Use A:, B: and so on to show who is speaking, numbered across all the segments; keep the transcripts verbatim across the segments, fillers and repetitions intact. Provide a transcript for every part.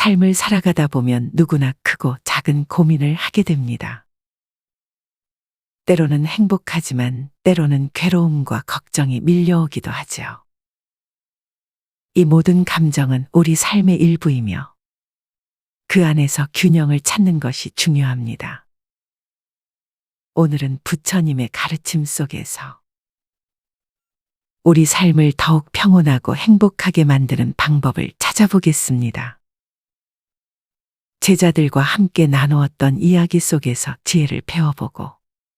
A: 삶을 살아가다 보면 누구나 크고 작은 고민을 하게 됩니다. 때로는 행복하지만 때로는 괴로움과 걱정이 밀려오기도 하죠. 이 모든 감정은 우리 삶의 일부이며 그 안에서 균형을 찾는 것이 중요합니다. 오늘은 부처님의 가르침 속에서 우리 삶을 더욱 평온하고 행복하게 만드는 방법을 찾아보겠습니다. 제자들과 함께 나누었던 이야기 속에서 지혜를 배워보고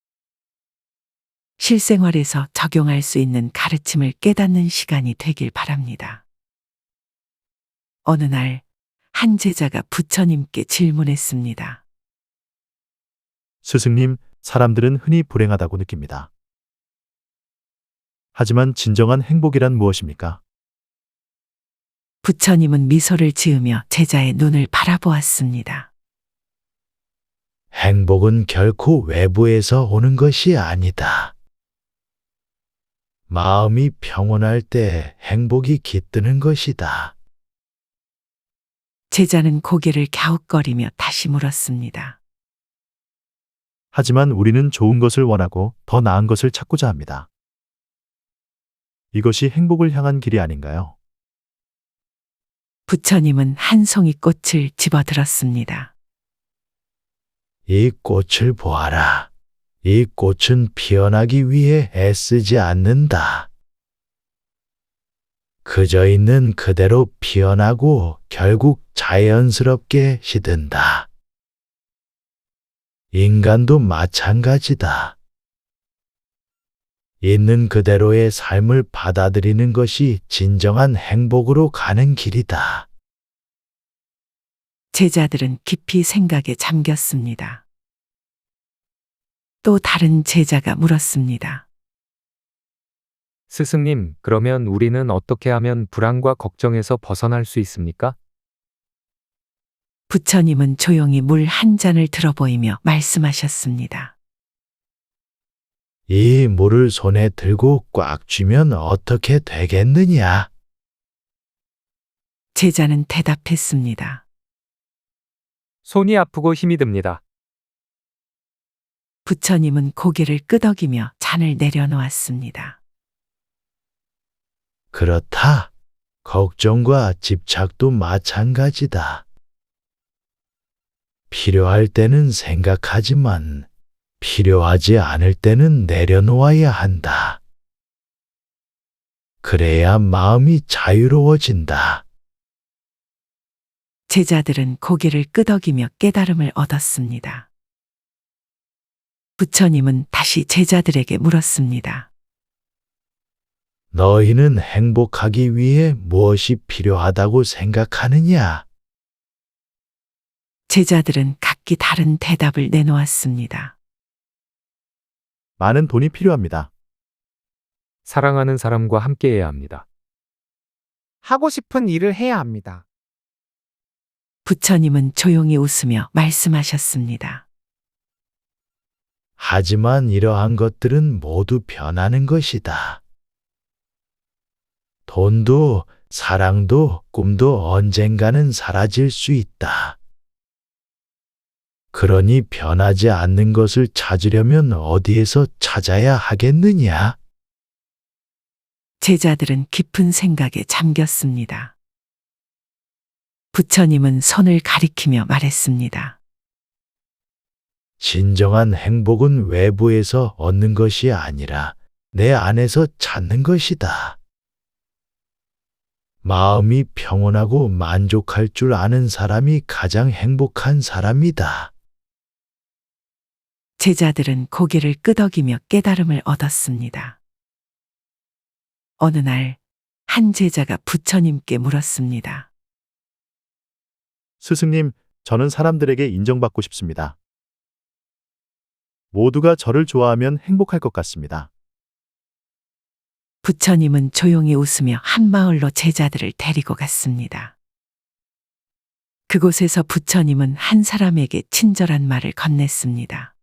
A: 실생활에서 적용할 수 있는 가르침을 깨닫는 시간이 되길 바랍니다. 어느 날 한 제자가 부처님께 질문했습니다.
B: 스승님, 사람들은 흔히 불행하다고 느낍니다. 하지만 진정한 행복이란 무엇입니까?
A: 부처님은 미소를 지으며 제자의 눈을 바라보았습니다.
C: 행복은 결코 외부에서 오는 것이 아니다. 마음이 평온할 때 행복이 깃드는 것이다.
A: 제자는 고개를 갸웃거리며 다시 물었습니다.
B: 하지만 우리는 좋은 것을 원하고 더 나은 것을 찾고자 합니다. 이것이 행복을 향한 길이 아닌가요?
A: 부처님은 한 송이 꽃을 집어들었습니다.
C: 이 꽃을 보아라. 이 꽃은 피어나기 위해 애쓰지 않는다. 그저 있는 그대로 피어나고 결국 자연스럽게 시든다. 인간도 마찬가지다. 있는 그대로의 삶을 받아들이는 것이 진정한 행복으로 가는 길이다.
A: 제자들은 깊이 생각에 잠겼습니다. 또 다른 제자가 물었습니다.
D: 스승님, 그러면 우리는 어떻게 하면 불안과 걱정에서 벗어날 수 있습니까?
A: 부처님은 조용히 물 한 잔을 들어보이며 말씀하셨습니다.
C: 이 물을 손에 들고 꽉 쥐면 어떻게 되겠느냐?
A: 제자는 대답했습니다.
D: 손이 아프고 힘이 듭니다.
A: 부처님은 고개를 끄덕이며 잔을 내려놓았습니다.
C: 그렇다. 걱정과 집착도 마찬가지다. 필요할 때는 생각하지만 필요하지 않을 때는 내려놓아야 한다. 그래야 마음이 자유로워진다.
A: 제자들은 고개를 끄덕이며 깨달음을 얻었습니다. 부처님은 다시 제자들에게 물었습니다.
C: 너희는 행복하기 위해 무엇이 필요하다고 생각하느냐?
A: 제자들은 각기 다른 대답을 내놓았습니다.
B: 많은 돈이 필요합니다.
D: 사랑하는 사람과 함께해야 합니다.
E: 하고 싶은 일을 해야 합니다.
A: 부처님은 조용히 웃으며 말씀하셨습니다.
C: 하지만 이러한 것들은 모두 변하는 것이다. 돈도, 사랑도, 꿈도 언젠가는 사라질 수 있다. 그러니 변하지 않는 것을 찾으려면 어디에서 찾아야 하겠느냐?
A: 제자들은 깊은 생각에 잠겼습니다. 부처님은 손을 가리키며 말했습니다.
C: 진정한 행복은 외부에서 얻는 것이 아니라 내 안에서 찾는 것이다. 마음이 평온하고 만족할 줄 아는 사람이 가장 행복한 사람이다.
A: 제자들은 고개를 끄덕이며 깨달음을 얻었습니다. 어느 날 한 제자가 부처님께 물었습니다.
B: 스승님, 저는 사람들에게 인정받고 싶습니다. 모두가 저를 좋아하면 행복할 것 같습니다.
A: 부처님은 조용히 웃으며 한 마을로 제자들을 데리고 갔습니다. 그곳에서 부처님은 한 사람에게 친절한 말을 건넸습니다.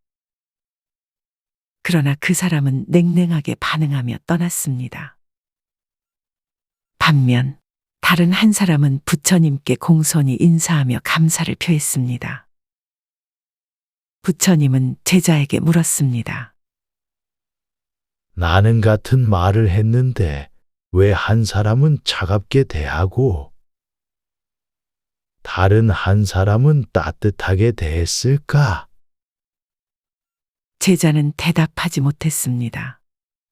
A: 그러나 그 사람은 냉랭하게 반응하며 떠났습니다. 반면 다른 한 사람은 부처님께 공손히 인사하며 감사를 표했습니다. 부처님은 제자에게 물었습니다.
C: 나는 같은 말을 했는데 왜 한 사람은 차갑게 대하고 다른 한 사람은 따뜻하게 대했을까?
A: 제자는 대답하지 못했습니다.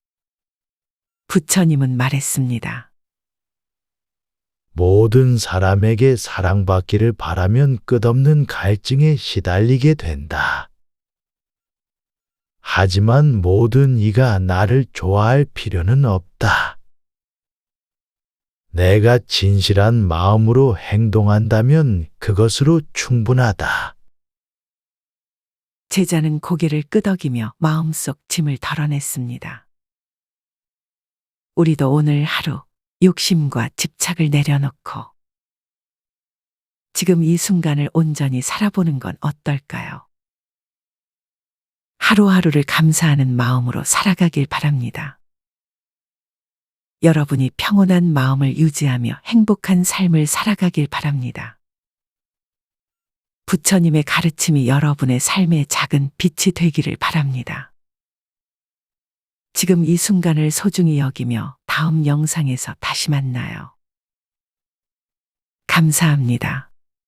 A: 부처님은 말했습니다.
C: 모든 사람에게 사랑받기를 바라면 끝없는 갈증에 시달리게 된다. 하지만 모든 이가 나를 좋아할 필요는 없다. 내가 진실한 마음으로 행동한다면 그것으로 충분하다.
A: 제자는 고개를 끄덕이며 마음속 짐을 덜어냈습니다. 우리도 오늘 하루 욕심과 집착을 내려놓고 지금 이 순간을 온전히 살아보는 건 어떨까요? 하루하루를 감사하는 마음으로 살아가길 바랍니다. 여러분이 평온한 마음을 유지하며 행복한 삶을 살아가길 바랍니다. 부처님의 가르침이 여러분의 삶의 작은 빛이 되기를 바랍니다. 지금 이 순간을 소중히 여기며 다음 영상에서 다시 만나요. 감사합니다.